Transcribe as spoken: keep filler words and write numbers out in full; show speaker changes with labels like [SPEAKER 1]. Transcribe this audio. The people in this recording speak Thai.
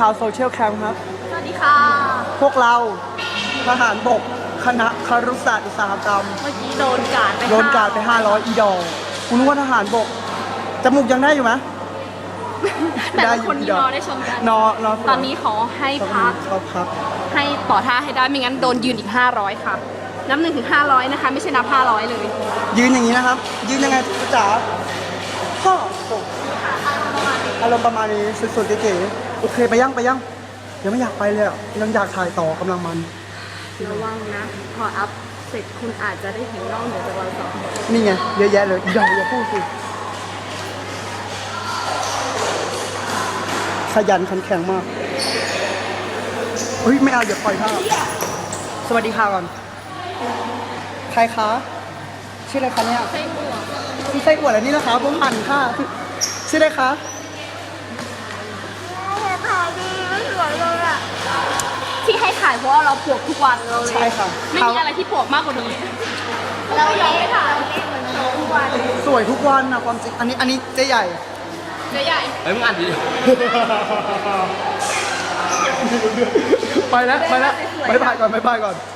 [SPEAKER 1] าวโซเชียลแคมป์ครับ
[SPEAKER 2] สวัสดีค่ะ
[SPEAKER 1] พวกเราทหารบกคณะครุศาสตร์อุตสาหกรรม
[SPEAKER 2] เมื่อกี้โดนกาดไป
[SPEAKER 1] โดนกาดไปห้าร้อยอีดอคุณนึกว่าทหารบกจมูกยังได้อยู่ไหม
[SPEAKER 2] แต่ละคนนี่นอนได้ชมกัน
[SPEAKER 1] นอนนอน
[SPEAKER 2] ตอนนี้ขอให้พัก
[SPEAKER 1] เขาพัก
[SPEAKER 2] ให้ต่อท่าให้ได้ไม่งั้นโดนยืนอีกห้าร้อยค่ะนับหนึ่งถึงห้าร้อยนะคะ ไม่ใช่นับห้าร้อยเลย
[SPEAKER 1] ยืนอย่างนี้นะครับ ยืนยังไงจ๋าพ่ออารมณ์ประมาณนี้สุดๆเก๋ๆโอเคไปยังไปยังยังไม่อยากไปเลยอ่ะยังอยากถ่ายต่อกำลังมัน
[SPEAKER 2] ระวังนะ พออัพเสร็จคุณอาจจะได้เห็นนอกเหนือจากเราสองคน
[SPEAKER 1] นี่ไงเยอะแยะเลยอย่าอย่าพูดสิขยันขันแข็งมากเฮ้ยไม่เอาอย่าปล่อยท่าสวัสดีค่ะก่อนใครคะชื่ออะไรคะเนี่ย
[SPEAKER 2] ไส้อั่ว
[SPEAKER 1] ชื่อไส้อั่วอะไรนี่นะคะผมหันค่ะชื่ออะไรคะ
[SPEAKER 2] ที่ให้ถ่ายเพราะว่าเราปวกทุกวันเราเลย
[SPEAKER 1] ใช่ค่ะ
[SPEAKER 2] ไม่มีอะไรที่ปวกมากกว่านี้เราอยากให้ถ่ายทุกวัน
[SPEAKER 1] สวยทุกวันนะความจริงอันนี้อันนี้เจ๊ใหญ่
[SPEAKER 2] เจ๊ใหญ่
[SPEAKER 3] เฮ้ยมึงอ่านดี
[SPEAKER 1] ไปแล้วไปแล้วบายบายก่อนบายบายก่อน